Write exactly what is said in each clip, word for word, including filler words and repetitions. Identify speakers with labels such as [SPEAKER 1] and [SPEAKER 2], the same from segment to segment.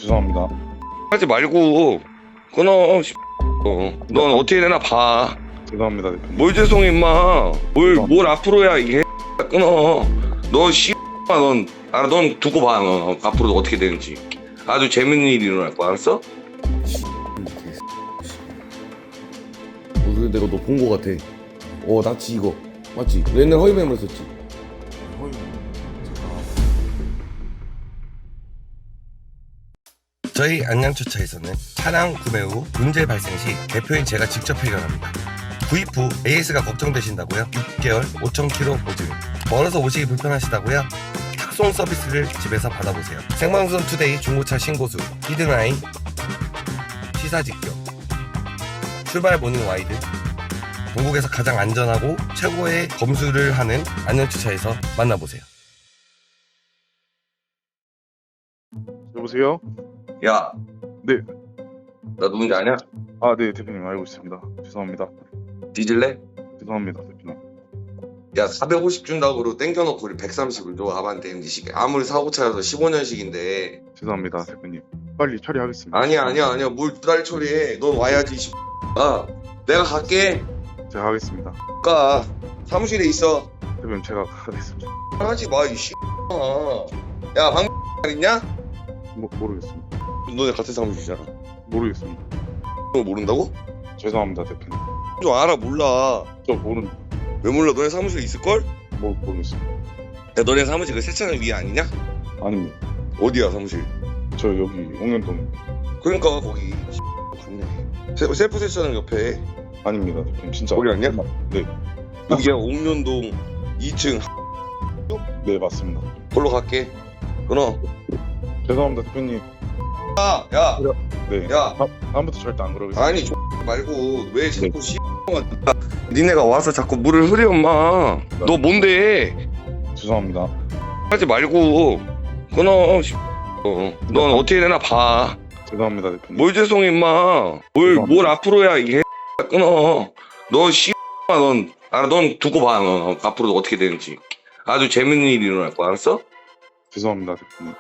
[SPEAKER 1] 죄송합니다.
[SPEAKER 2] 하지 말고 끊어. 어. 넌 어떻게 되나 봐.
[SPEAKER 1] 죄송합니다, 대표님.
[SPEAKER 2] 뭘 죄송해 임마. 뭘, 뭘 앞으로야 이게 끊어. 너 씨. 넌, 아, 넌 두고 봐. 너. 앞으로 어떻게 되는지. 아주 재밌는 일이 일어날 거야. 알았어?
[SPEAKER 3] 어, 근데 내가 너 본 거 같아. 어, 나치 이거 맞지? 옛날 허위매물 썼지. 저희 안양주차에서는 차량 구매 후 문제 발생 시 대표인 제가 직접 해결합니다. 구입 후 에이에스가 걱정되신다고요? 육 개월 오천 킬로미터 보증. 멀어서 오시기 불편하시다고요? 탁송 서비스를 집에서 받아보세요. 생방송 투데이 중고차 신고수, 히든아이, 시사직격, 출발 모닝 와이드, 전국에서 가장 안전하고 최고의 검수를 하는 안녕주차에서 만나보세요.
[SPEAKER 1] 여보세요?
[SPEAKER 2] 야.
[SPEAKER 1] 네.
[SPEAKER 2] 나 누군지 아냐?
[SPEAKER 1] 아, 네, 대표님 알고 있습니다. 죄송합니다.
[SPEAKER 2] 뒤질래?
[SPEAKER 1] 죄송합니다, 대표님.
[SPEAKER 2] 야, 사백오십 준다고 그러고 땡겨놓고 우리 백삼십을 줘. 아반떼 엠지식. 아무리 사고차라도 십오 년식인데.
[SPEAKER 1] 죄송합니다, 대표님. 빨리 처리하겠습니다.
[SPEAKER 2] 아니야, 아니야, 아니야. 뭘 두 달 처리해. 넌 와야지, 씨. 아, 내가 갈게.
[SPEAKER 1] 제가 하겠습니다.
[SPEAKER 2] 가. 사무실에 있어.
[SPEAKER 1] 대표님, 제가 하겠습니다.
[SPEAKER 2] 하지 마, 이 씨. 야, 방 있냐?
[SPEAKER 1] 모, 모르겠습니다.
[SPEAKER 2] 너네 같은 사무실이잖아.
[SPEAKER 1] 모르겠습니다.
[SPEAKER 2] 너 모른다고?
[SPEAKER 1] 죄송합니다, 대표님.
[SPEAKER 2] 좀 알아, 몰라.
[SPEAKER 1] 저 모르,
[SPEAKER 2] 왜 몰라? 너네 사무실에 있을걸?
[SPEAKER 1] 모, 모르겠습니다.
[SPEAKER 2] 야, 너네 사무실 그 세차장 위에 아니냐?
[SPEAKER 1] 아닙니다.
[SPEAKER 2] 어디야, 사무실?
[SPEAKER 1] 저 여기 옥년동
[SPEAKER 2] 그러니까, 거기. 갔네. 세- 셀프 세차장 옆에.
[SPEAKER 1] 아닙니다, 대표님. 진짜.
[SPEAKER 2] 거기 아니야?
[SPEAKER 1] 네,
[SPEAKER 2] 여기가 옥년동 이 층.
[SPEAKER 1] 네, 맞습니다.
[SPEAKER 2] 걸로 갈게. 끊어.
[SPEAKER 1] 죄송합니다, 대표님.
[SPEAKER 2] 야, 야,
[SPEAKER 1] 네.
[SPEAKER 2] 야.
[SPEAKER 1] 다, 다음부터 절대 안 그러겠습니다.
[SPEAKER 2] 아니, X 말고 왜 자꾸 씨. 니네가 와서 자꾸 물을 흐려, 엄마. 너 뭔데?
[SPEAKER 1] 죄송합니다.
[SPEAKER 2] 하지 말고 끊어. 씨. 어. 넌 어떻게 되나 봐.
[SPEAKER 1] 죄송합니다, 대표님.
[SPEAKER 2] 뭘 죄송해, 임마. 뭘, 뭘 앞으로야 이게 끊어. 너 씨. 넌, 아, 넌 두고 봐. 너. 앞으로 어떻게 되는지. 아주 재밌는 일이 일어날 거야. 알았어?
[SPEAKER 1] 죄송합니다, 대표님.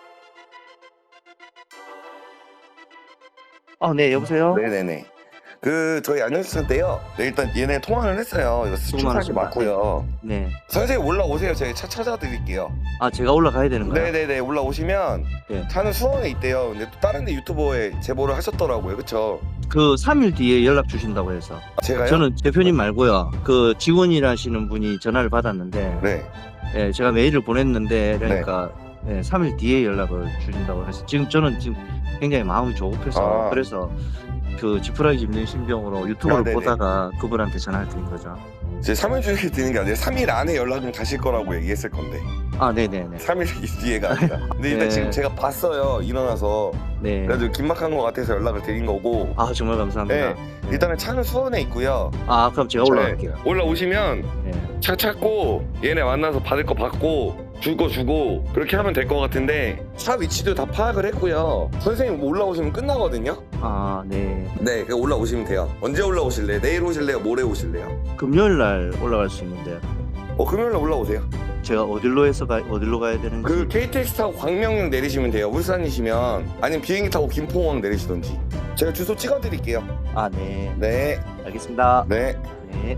[SPEAKER 4] 아, 네, 여보세요?
[SPEAKER 3] 네네네. 그 저희 안녕주차인데요. 네, 일단 얘네 통화를 했어요. 이거 수출사기
[SPEAKER 4] 많으십니다.
[SPEAKER 3] 맞고요.
[SPEAKER 4] 네.
[SPEAKER 3] 선생님 올라오세요. 저희 차 찾아드릴게요.
[SPEAKER 4] 아, 제가 올라가야 되는가요?
[SPEAKER 3] 네네네. 올라오시면
[SPEAKER 4] 네.
[SPEAKER 3] 차는 수원에 있대요. 근데 또 다른 데 유튜버에 제보를 하셨더라고요. 그쵸?
[SPEAKER 4] 그 삼 일 뒤에 연락 주신다고 해서.
[SPEAKER 3] 제가요?
[SPEAKER 4] 저는 대표님 말고요. 그 직원이라시는 분이 전화를 받았는데,
[SPEAKER 3] 네.
[SPEAKER 4] 예, 제가 메일을 보냈는데, 그러니까 예, 삼 일 뒤에 연락을 주신다고 해서 지금 저는 지금 굉장히 마음이 조급해서
[SPEAKER 3] 아.
[SPEAKER 4] 그래서 그 지푸라기 짚는 신병으로 유튜브를
[SPEAKER 3] 아, 네네.
[SPEAKER 4] 보다가 그분한테 전화를 드린 거죠.
[SPEAKER 3] 제 삼 일 중에 드리는 게 아니라 삼 일 안에 연락을 가실 거라고 얘기했을 건데
[SPEAKER 4] 아, 네네네.
[SPEAKER 3] 삼 일 뒤에가 아니라. 근데 일단
[SPEAKER 4] 네.
[SPEAKER 3] 지금 제가 봤어요. 일어나서.
[SPEAKER 4] 네.
[SPEAKER 3] 그래가지고 긴막한 것 같아서 연락을 드린 거고.
[SPEAKER 4] 아, 정말 감사합니다.
[SPEAKER 3] 네. 일단은 차는 수원에 있고요.
[SPEAKER 4] 아, 그럼 제가 올라갈게요.
[SPEAKER 3] 네. 올라오시면
[SPEAKER 4] 네.
[SPEAKER 3] 차 찾고 얘네 만나서 받을 거 받고 줄 거 주고 그렇게 하면 될 것 같은데 차 위치도 다 파악을 했고요. 선생님 올라오시면 끝나거든요.
[SPEAKER 4] 아, 네.
[SPEAKER 3] 네, 그 올라오시면 돼요. 언제 올라오실래요? 내일 오실래요? 모레 오실래요?
[SPEAKER 4] 금요일 날 올라갈 수 있는데
[SPEAKER 3] 어, 금요일날 올라오세요.
[SPEAKER 4] 제가 어디로 해서 가 어디로 가야 되는지.
[SPEAKER 3] 그 케이티엑스 타고 광명역 내리시면 돼요. 울산이시면 아니면 비행기 타고 김포공항 내리시던지. 제가 주소 찍어드릴게요.
[SPEAKER 4] 아, 네.
[SPEAKER 3] 네,
[SPEAKER 4] 알겠습니다.
[SPEAKER 3] 네.
[SPEAKER 4] 네.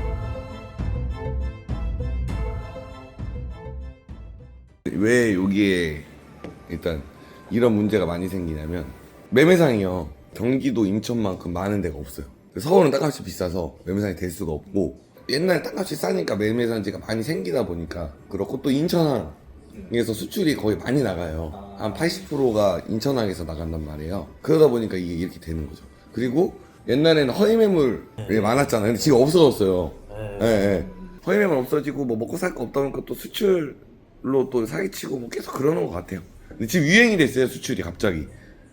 [SPEAKER 3] 왜 여기에 일단 이런 문제가 많이 생기냐면 매매상이요. 경기도 인천만큼 많은 데가 없어요. 서울은 땅값이 비싸서 매매상이 될 수가 없고 옛날에 땅값이 싸니까 매매상지가 많이 생기다 보니까 그렇고 또 인천항에서 수출이 거의 많이 나가요. 한 팔십 퍼센트가 인천항에서 나간단 말이에요. 그러다 보니까 이게 이렇게 되는 거죠. 그리고 옛날에는 허위 매물이 많았잖아요. 근데 지금 없어졌어요. 예, 예. 허위 매물 없어지고 뭐 먹고 살 거 없다 보니까 또 수출로 또 사기치고 뭐 계속 그러는 것 같아요. 근데 지금 유행이 됐어요. 수출이 갑자기.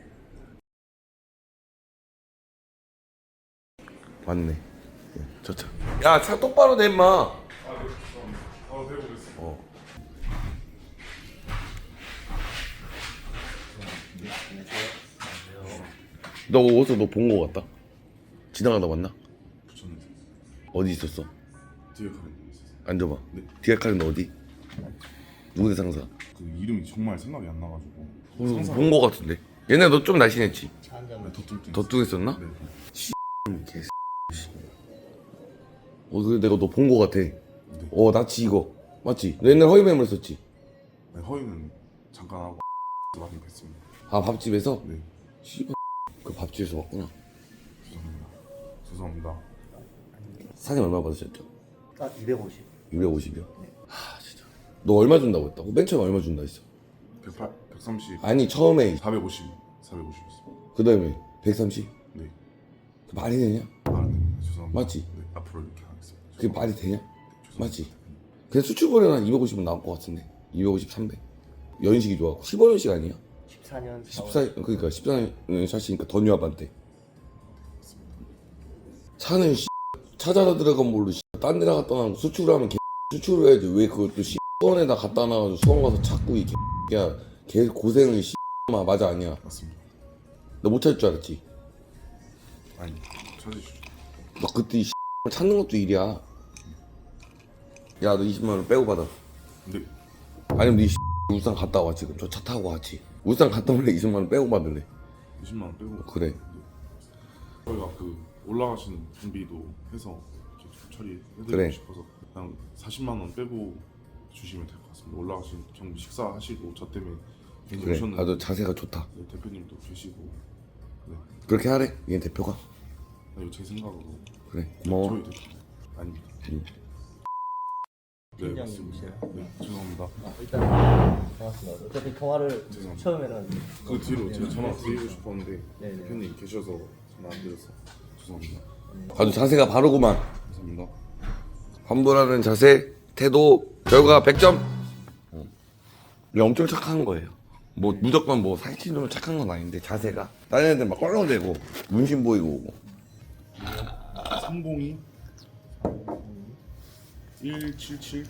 [SPEAKER 3] 맞네. 예, 저 차. 야, 차 똑바로 내, 임마. 어. 너 어디서 너 본 거 같다? 지나가다 봤나?
[SPEAKER 1] 붙였는데
[SPEAKER 3] 어디 있었어?
[SPEAKER 1] 뒤에 가는 분 있었어요.
[SPEAKER 3] 앉아봐.
[SPEAKER 1] 네.
[SPEAKER 3] 디아카는 어디? 누구 대상사?
[SPEAKER 1] 그 이름이 정말 생각이 안 나가지고
[SPEAKER 3] 본 거 같은데. 옛날에 너 좀 날씬했지?
[SPEAKER 4] 차 한 잔.
[SPEAKER 1] 네, 더 뚱뚱.
[SPEAKER 3] 더 뚱했었나?
[SPEAKER 1] 네.
[SPEAKER 3] 개 어, 그래 내가 너 본 거 같아. 어, 나치 이거 맞지? 너 옛날 허위매물 썼지?
[SPEAKER 1] 네, 허위는 잠깐 하고 많이 뵀습니다.
[SPEAKER 3] 아 밥집에서?
[SPEAKER 1] 네.
[SPEAKER 3] 씨발 그 밥집에서 왔구나.
[SPEAKER 1] 죄송합니다. 죄송합니다.
[SPEAKER 3] 사장님 얼마 받으셨죠?
[SPEAKER 4] 아 이백오십.
[SPEAKER 3] 이백오십이요? 하 진짜 너 얼마 준다고 했다고? 맨 처음에 얼마 준다 했어?
[SPEAKER 1] 백팔, 백삼십,
[SPEAKER 3] 아니 처음에
[SPEAKER 1] 사백오십, 사백오십이었어.
[SPEAKER 3] 그 다음에 백삼십?
[SPEAKER 1] 네.
[SPEAKER 3] 그 말이 되냐?
[SPEAKER 1] 아, 네. 죄송합니다.
[SPEAKER 3] 맞지?
[SPEAKER 1] 네, 앞으로 이렇게 하겠습니다.
[SPEAKER 3] 그게 말이 되냐?
[SPEAKER 1] 죄송합니다.
[SPEAKER 3] 맞지? 그냥 수출거래는 한 이백오십은 나올 것 같은데 이백오십, 삼백 연식이 좋아 십오 년씩 아니야?
[SPEAKER 4] 십사 년.
[SPEAKER 3] 십사 그러니까 십사 년 샷이니까 더 뉴아반때 차는 씨 찾아다 들어간 뭘로 씨 딴 데다 갖다 놔 수출을 하면 개 수출을 해야지 왜 그것도 씨 수원에다 갖다 놔가지고 수원 가서 찾고 이 개야 개 고생을 씨 마 맞아 아니야
[SPEAKER 1] 맞습니다.
[SPEAKER 3] 너 못 찾을 줄 알았지?
[SPEAKER 1] 아니, 찾으시죠.
[SPEAKER 3] 너 그때 이 씨 찾는 것도 일이야 야 너 이십만 원 빼고 받아
[SPEAKER 1] 네.
[SPEAKER 3] 아니면 네 씨 울산 갔다 와 지금 저 차 타고 왔지 울산 갔다 올래 이십만 원 빼고 받을래
[SPEAKER 1] 이십만 원 빼고.
[SPEAKER 3] 그래
[SPEAKER 1] 저희가 그 올라가시는 준비도 해서 이렇게 좀 처리해드리고
[SPEAKER 3] 그래.
[SPEAKER 1] 싶어서 그냥 사십만 원 빼고 주시면 될 것 같습니다. 올라가신 경비 식사하시고 저 때문에 괜히
[SPEAKER 3] 그래
[SPEAKER 1] 오셨는데
[SPEAKER 3] 아너 자세가 좋다
[SPEAKER 1] 네, 대표님도 계시고 네,
[SPEAKER 3] 그렇게 하래 얘 대표가
[SPEAKER 1] 아니, 제 생각으로
[SPEAKER 3] 그래 고마워
[SPEAKER 1] 저희 대표 아닙니다.
[SPEAKER 3] 응.
[SPEAKER 1] 네, 맞습니다. 네, 죄송합니다.
[SPEAKER 4] 아, 일단 고맙습니다. 어차피 통화를
[SPEAKER 1] 죄송합니다.
[SPEAKER 4] 처음에는
[SPEAKER 1] 그 뒤로 제가 전화 드리고 싶었는데
[SPEAKER 4] 네네.
[SPEAKER 1] 대표님 계셔서 전화 안 드렸어. 죄송합니다.
[SPEAKER 3] 아주 자세가 바르구만
[SPEAKER 1] 감사합니다.
[SPEAKER 3] 환불하는 자세, 태도, 결과 백 점. 이게 엄청 착한 거예요. 뭐 무조건 뭐 사기친으로 착한 건 아닌데 자세가 다른 애들 막 껄렁대고 문신 보이고 오고.
[SPEAKER 1] 삼공이 일칠칠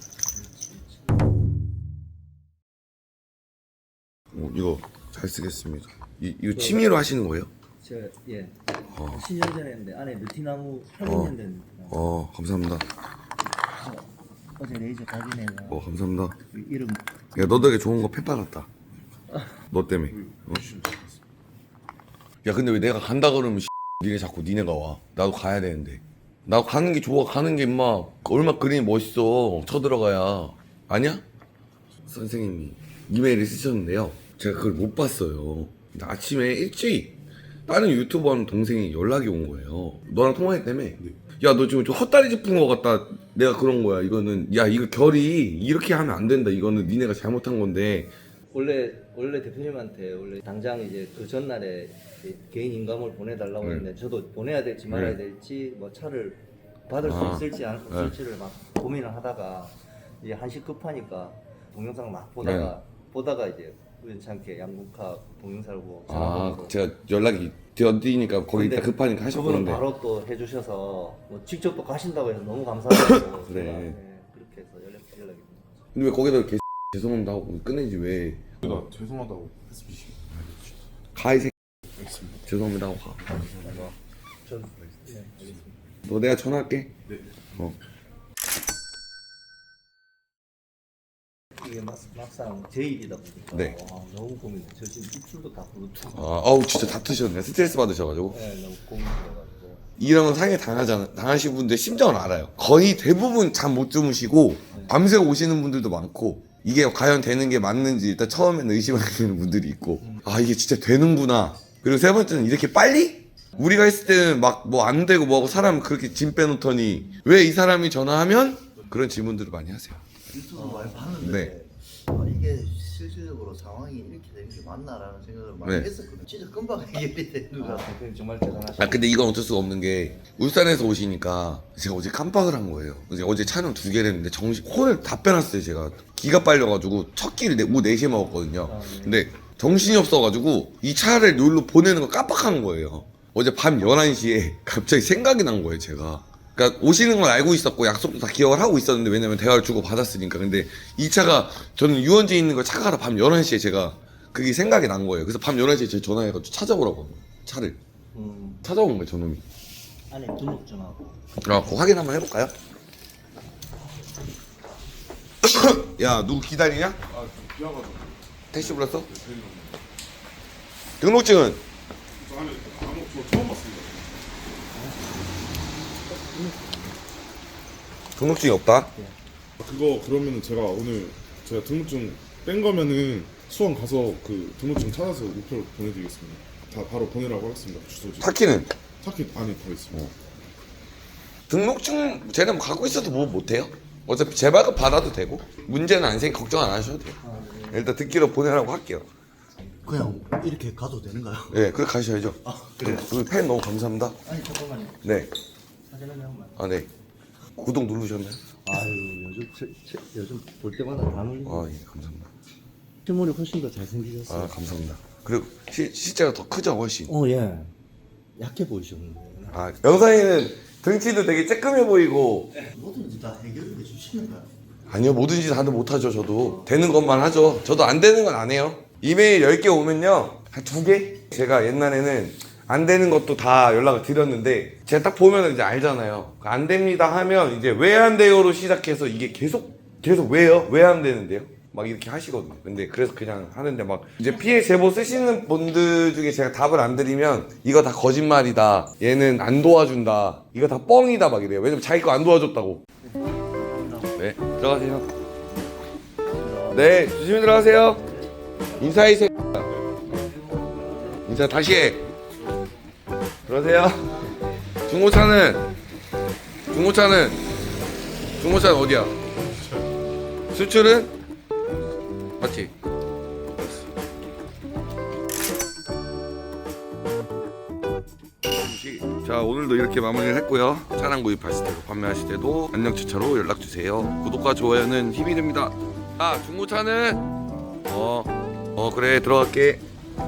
[SPEAKER 3] 어, 이거 잘 쓰겠습니다. 이, 이거 취미로 하시는 거예요?
[SPEAKER 4] 제가 예
[SPEAKER 3] 어.
[SPEAKER 4] 십 년 전에 했는데 안에 느티나무 평년 된 느티나무.
[SPEAKER 3] 어 감사합니다.
[SPEAKER 4] 어제 레이저 가진애가
[SPEAKER 3] 어 감사합니다.
[SPEAKER 4] 이름
[SPEAKER 3] 야 너 덕에 좋은 거 팬 받았다. 너 때문에. 어?
[SPEAKER 1] 주시면 될 것 같습니다.
[SPEAKER 3] 야 근데 왜 내가 간다 그러면 니네 자꾸 니네가 와. 나도 가야 되는데. 나 가는 게 좋아. 가는 게 임마 얼마 그림이 멋있어. 쳐들어가야. 아니야? 선생님이 이메일을 쓰셨는데요. 제가 그걸 못 봤어요. 근데 아침에 일찍 다른 유튜버 하는 동생이 연락이 온 거예요. 너랑 통화했다며?
[SPEAKER 1] 네.
[SPEAKER 3] 야 너 지금 좀 헛다리 짚은 거 같다. 내가 그런 거야. 이거는 야 이거 결이 이렇게 하면 안 된다. 이거는 니네가 잘못한 건데.
[SPEAKER 4] 원래 원래 대표님한테 원래 당장 이제 그 전날에 이제 개인 인감을 보내달라고
[SPEAKER 3] 네.
[SPEAKER 4] 했는데 저도 보내야 될지 말아야
[SPEAKER 3] 네.
[SPEAKER 4] 될지 뭐 차를 받을
[SPEAKER 3] 아.
[SPEAKER 4] 수 있을지 안 없을지를 막 고민을 하다가 이제 한시 급하니까 동영상을 막 보다가 보다가 이제 우연찮게 양국화 동영상을 보고 전화
[SPEAKER 3] 아
[SPEAKER 4] 번호로
[SPEAKER 3] 제가 연락이 되었으니까 거기 있다
[SPEAKER 4] 근데
[SPEAKER 3] 급하니까
[SPEAKER 4] 그분은
[SPEAKER 3] 하셨는데.
[SPEAKER 4] 바로 또 해주셔서 뭐 직접 또 가신다고 해서 너무 감사하고
[SPEAKER 3] 그래.
[SPEAKER 4] 제가, 네, 그렇게 해서 연락 연락이
[SPEAKER 3] 근데 왜 거기다 개 죄송합니다 하고 끝내지 왜
[SPEAKER 1] 제가 죄송하다고 했습니다.
[SPEAKER 3] 가이 새
[SPEAKER 1] 알겠습니다.
[SPEAKER 3] 죄송합니다 하고 가.
[SPEAKER 4] 전 네, 알겠습니다.
[SPEAKER 3] 너 내가 전화할게.
[SPEAKER 1] 네.
[SPEAKER 3] 어.
[SPEAKER 4] 이게 막, 막상 제 일이다 보니까
[SPEAKER 3] 네.
[SPEAKER 4] 와, 너무 고민돼. 저 지금 입술도 다 부르트고
[SPEAKER 3] 아, 아우 진짜 다투셨네. 스트레스 받으셔가지고.
[SPEAKER 4] 네, 너무 고민돼가지고
[SPEAKER 3] 이런 건 상해 당하잖아. 당하신 분들 심정을 알아요. 거의 대부분 잠 못 주무시고 밤새 오시는 분들도 많고 이게 과연 되는 게 맞는지 일단 처음에는 의심하시는 분들이 있고 아 이게 진짜 되는구나. 그리고 세 번째는 이렇게 빨리? 우리가 했을 때는 막 뭐 안 되고 뭐하고 사람 그렇게 짐 빼놓더니 왜 이 사람이 전화하면 그런 질문들을 많이 하세요.
[SPEAKER 5] 유튜브 많이 봤는데
[SPEAKER 3] 네.
[SPEAKER 5] 아, 이게 실질적으로 상황이 이렇게 되는 게 맞나라는 생각을 많이
[SPEAKER 3] 네.
[SPEAKER 5] 했었거든요. 진짜 금방 해결이 되는 것
[SPEAKER 4] 아,
[SPEAKER 5] 같아요.
[SPEAKER 4] 대표님 정말 대단하시고
[SPEAKER 3] 아 근데 이건 어쩔 수가 없는 게 울산에서 오시니까 제가 어제 깜빡을 한 거예요. 그래서 어제 촬영 두 개를 했는데 정신 혼을 다 빼놨어요. 제가 기가 빨려가지고 첫 끼를 네, 오후 네 시에 먹었거든요.
[SPEAKER 4] 아, 네.
[SPEAKER 3] 근데 정신이 없어가지고 이 차를 여기로 보내는 걸 깜빡한 거예요. 어제 밤 열한 시에 갑자기 생각이 난 거예요. 제가 그러니까 오시는 건 알고 있었고 약속도 다 기억을 하고 있었는데 왜냐면 대화를 주고 받았으니까. 근데 이 차가 저는 유원지에 있는 걸 차가 하러 밤 열한 시에 제가 그게 생각이 난 거예요. 그래서 밤 열한 시에 제 전화해가지고 찾아오라고 한 거예요. 차를
[SPEAKER 4] 음,
[SPEAKER 3] 찾아온 거예요. 저놈이.
[SPEAKER 4] 안에 등록 좀 하고
[SPEAKER 3] 아, 그거 확인 한번 해볼까요? 야, 누구 기다리냐?
[SPEAKER 1] 아, 좀 비와가지고
[SPEAKER 3] 택시 불렀어?
[SPEAKER 1] 대표님
[SPEAKER 3] 등록증은?
[SPEAKER 1] 저 안에 아무 저 처음 봤습니다.
[SPEAKER 3] 등록증이 없다?
[SPEAKER 1] 그거 그러면은 제가 오늘 제가 등록증 뺀 거면은 수원 가서 그 등록증 찾아서 우표 보내드리겠습니다. 다 바로 보내라고 하겠습니다. 주소지.
[SPEAKER 3] 타키는?
[SPEAKER 1] 타키 안에 더 있습니다.
[SPEAKER 3] 등록증 쟤는 갖고 있어도 뭐 못해요? 어차피 재발급 받아도 되고 문제는 안 생기 걱정 안 하셔도 돼요. 일단 듣기로 보내라고 할게요.
[SPEAKER 5] 그냥 이렇게 가도 되는가요?
[SPEAKER 3] 네, 그래 가셔야죠. 네, 그리고 팬 너무 감사합니다.
[SPEAKER 4] 아니 잠깐만요.
[SPEAKER 3] 네,
[SPEAKER 4] 사진 한 장만.
[SPEAKER 3] 아 네. 구독 누르셨나요?
[SPEAKER 4] 아유 요즘 제, 제, 요즘 볼 때마다 다 놀리네.
[SPEAKER 3] 아 예, 감사합니다.
[SPEAKER 4] 실물이 훨씬 더 잘생기셨어요.
[SPEAKER 3] 아 감사합니다. 그리고 시, 실제가 더 크죠 훨씬.
[SPEAKER 4] 어 예. 약해 보이셨는데.
[SPEAKER 3] 아 영상에는 등치도 되게 쬐끔해 보이고.
[SPEAKER 5] 뭐든지 다 해결해 주시는가요?
[SPEAKER 3] 아니요, 뭐든지 다들 못하죠. 저도 되는 것만 하죠. 저도 안 되는 건 안 해요. 이메일 열 개 오면요 한 두 개? 제가 옛날에는 안 되는 것도 다 연락을 드렸는데 제가 딱 보면 이제 알잖아요. 안 됩니다 하면 이제 왜 안 돼요로 시작해서 이게 계속 계속 왜요? 왜 안 되는데요? 막 이렇게 하시거든요. 근데 그래서 그냥 하는데 막 이제 피해 제보 쓰시는 분들 중에 제가 답을 안 드리면 이거 다 거짓말이다, 얘는 안 도와준다, 이거 다 뻥이다 막 이래요. 왜냐면 자기 거 안 도와줬다고. 네, 들어가세요. 네, 조심히 들어가세요. 인사해, 새 인사 다시 해. 들어가세요. 중고차는 중고차는 중고차는 어디야? 수출은? 맞지? 자, 오늘도 이렇게 마무리를 했고요. 차량 구입하실 때도 판매하실 때도 안녕차차로 연락주세요. 구독과 좋아요는 힘이 됩니다. 아, 중고차는 어, 어 그래 들어갈게.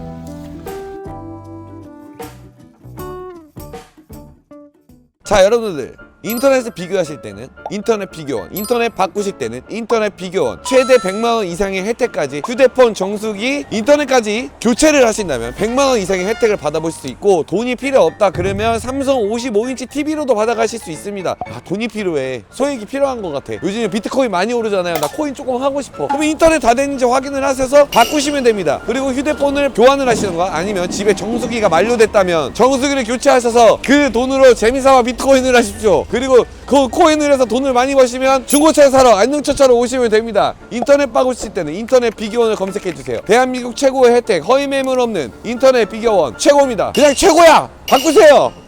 [SPEAKER 3] 자, 여러분들 인터넷을 비교하실 때는 인터넷 비교원, 인터넷 바꾸실 때는 인터넷 비교원, 최대 백만 원 이상의 혜택까지 휴대폰 정수기, 인터넷까지 교체를 하신다면 백만 원 이상의 혜택을 받아보실 수 있고, 돈이 필요 없다 그러면 삼성 오십오 인치 티비로도 받아가실 수 있습니다. 아, 돈이 필요해, 소액이 필요한 것 같아. 요즘에 비트코인 많이 오르잖아요. 나 코인 조금 하고 싶어. 그럼 인터넷 다 됐는지 확인을 하셔서 바꾸시면 됩니다. 그리고 휴대폰을 교환을 하시는 거, 아니면 집에 정수기가 만료됐다면 정수기를 교체하셔서 그 돈으로 재미삼아 비트코인을 하십시오. 그리고 그 코인을 해서 돈을 많이 버시면 중고차 사러 안녕차차로 오시면 됩니다. 인터넷 바꾸실 때는 인터넷 비교원을 검색해주세요. 대한민국 최고의 혜택, 허위 매물 없는 인터넷 비교원 최고입니다. 그냥 최고야! 바꾸세요!